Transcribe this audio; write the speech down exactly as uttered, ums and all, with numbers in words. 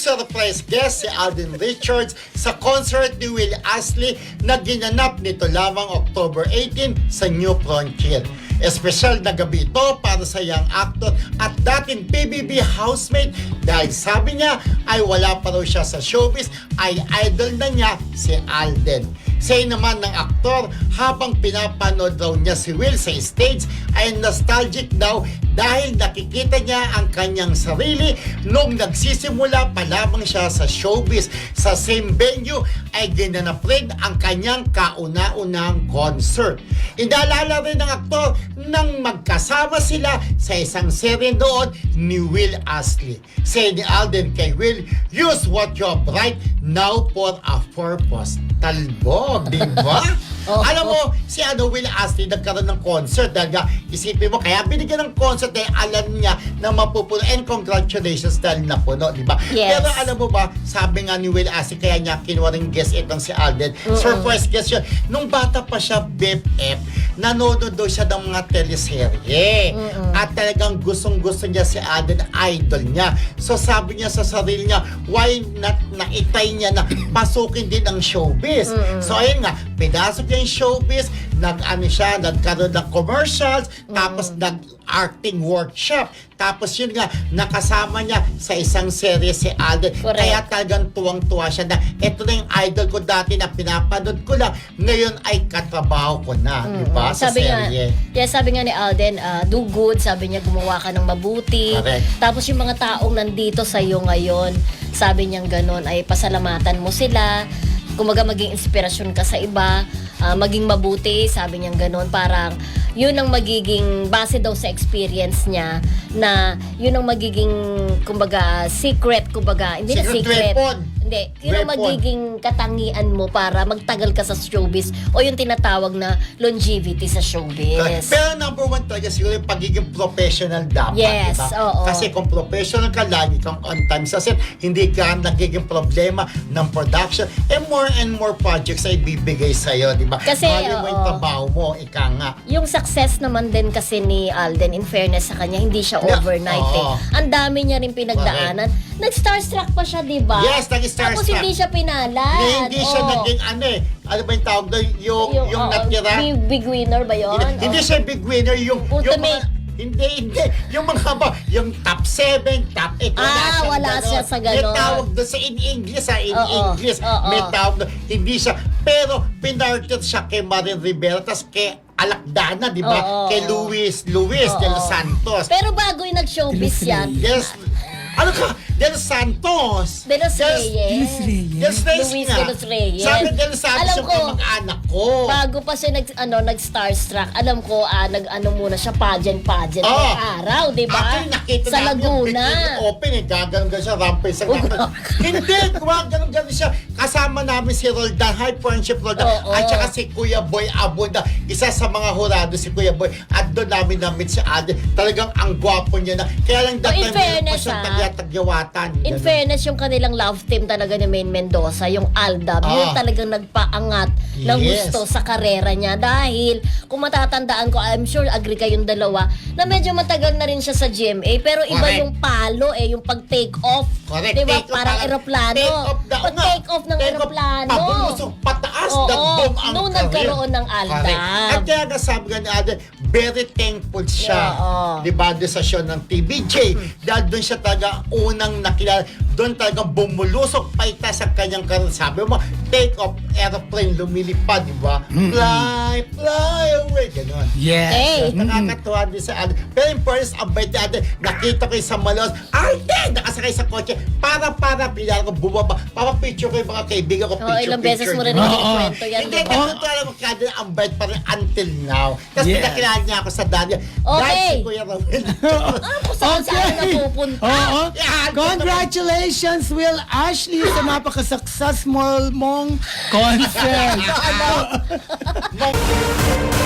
nag-surprise guest si Alden Richards sa concert ni Will Astley na ginanap nito lamang October eighteen sa New Frontier. Espesyal na gabi ito para sa young actor at dating P B B housemate dahil sabi niya ay wala pa raw siya sa showbiz, ay idol na niya si Alden. Say naman ng aktor, habang pinapanood daw niya si Will sa stage ay nostalgic daw dahil nakikita niya ang kanyang sarili nung nagsisimula pa lamang siya sa showbiz. Sa same venue ay ginanap rin ang kanyang kauna-unang concert. Inaalala rin ng aktor nang magkasama sila sa isang serye noon ni Will Astley. Say ni Alden kay Will, use what you have right now for a purpose. Talbog, di ba? Oh, Alam oh. mo, si ano, Will Astley nagkaroon ng concert dahil nga, isipin mo, kaya binigyan ng concert dahil alam niya na mapupuno. And congratulations dahil napuno, di ba? Yes. Pero alam mo ba, sabi nga ni Will Astley, kaya niya kinuha rin guest itong si Alden. Mm-mm. Surprise guest yun. Nung bata pa siya, B F F, nanonood daw siya ng mga teleserye. Mm-mm. At talagang gustong-gusto niya si Alden, idol niya. So sabi niya sa sarili niya, why not naitay niya na pasukin din ang showbiz? Mm-mm. So ayun nga, pinasok niya yung showbiz, nag-ano siya, nagkaroon ng commercials, tapos nag-acting workshop. Tapos yun nga, nakasama niya sa isang serye si Alden. Correct. Kaya talagang tuwang-tuwa siya na ito na yung idol ko dati na pinapanood ko lang. Ngayon ay katrabaho ko na, di ba? Sa Sabi nga, serye. yeah, sabi nga ni Alden, uh, do good, sabi niya gumawa ka ng mabuti. Correct. Tapos yung mga taong nandito sa iyo ngayon, sabi niyang ganon, ay pasalamatan mo sila. Kumaga maging inspirasyon ka sa iba, uh, maging mabuti, sabi niyang ganon. Parang yun ang magiging, base daw sa experience niya, na yun ang magiging, kumbaga, secret, kumbaga, hindi Secret na secret. weapon. Hindi, yun ang Weapon. magiging katangian mo para magtagal ka sa showbiz o yung tinatawag na longevity sa showbiz. Pero number one talaga siguro yung pagiging professional dapat, Yes, diba? oo. Kasi kung professional ka, lagi kang on time sa set, hindi ka nagiging problema ng production, and more and more projects ay bibigay sa'yo, di ba? Kasi, Mahali mo yung oo. trabaho mo, ika nga. Yung success naman din kasi ni Alden, in fairness sa kanya, hindi siya Yeah, overnight oo. eh. Ang dami niya rin pinagdaanan. Nag-starstruck pa siya, di ba? Yes, nag-starstruck. Tapos hindi siya pinalad. Ni- hindi siya Oo. naging ano eh, ano ba yung tawag doon? Yung, yung, oo, natira. big, big winner ba yun? Hindi, hindi Oo. siya big winner, yung, yung Ultimate. mga, hindi, hindi. Yung mga ba, yung top seven, top eight, wala Ah, siyang wala ganon. siya sa May ganon. tawag doon sa in English, ha, in Oo, English. oo. May tawag doon, hindi siya. Pero, pinarted siya kay Marin Rivera, tas kay Alakdana, di ba? Oo. Kay Luis, Luis Oo. de los Santos. Pero bago yung nag-showbiz yan, Yes. Ano ka? De los Santos. De Los Yes. Reyes. De los Reyes Luis nga. de los Reyes. Sabi de los Santos Alam yung ko, kamag-anak ko. bago pa siya nag ano nag-starstruck, alam ko ah, nag-ano muna siya pageant pageant Oh. ng araw, 'di ba? Actually, nakita Sa namin yung Laguna. bikini open eh. Gaganon siya, rampay sa Oh, gano'n. Hindi, gumaganon-ganon siya. Kasama namin si Roldan, high friendship Roldan. Oo. At saka si Kuya Boy Abunda. Isa sa mga hurado si Kuya Boy. At doon namin na-meet si Alden. Talagang ang gwapo niya na. Kaya lang Oh, dati in fairness, siyang ah, tagya-tagyawatan. In Ganun. fairness, yung kanilang love team talaga ni Maine Mendoza, yung Aldab, Ah. yun talagang nagpaangat ng Yes. gusto sa karera niya. Dahil, kung matatandaan ko, I'm sure agree kayong dalawa, na medyo matagal na rin siya sa G M A, pero iba Correct. yung palo eh, yung pag-take off. Correct. Diba? Take off, Parang parang eroplano. take off daw nga. Pag-take off ng Take off, eroplano. pabulusok, pataas, Oo, nag-boom ang nung career. nagkaroon ng Aldab. Correct. At kaya nga sabi nga ni Alden, very thankful siya. Oo. Di ba? Doon sa show ng T V J. Dahil doon siya talaga unang nakilala. Doon talaga bumulusok pa ita sa kanyang karoon. Sabi mo, take off, aeroplane, lumilipad, di ba? Fly, fly away. Ganon. Yes. Hey. Nakakatuwa din sa Alden. Pero in first, ang bait ni Alden, nakita ko yung sa Malos, Alden! Nakasakay sa kotse. Para-para, pinala ko bumaba. Papapicture ko yung mga kaibigan ko. Oh, Picture, ilang beses picture. mo rin Oo. ikikwento yan. Hindi, diba? natutuwa lang ako kada ang bait pa rin until now. Tapos Yes. pinakilala niya ako sa Daniel. Okay. Dahil si Kuya Romel. Ah, kung saan saan napupunta. Oo. Yeah, Congratulations, Will Ashley, sa napaka-successful mong concert. Ano?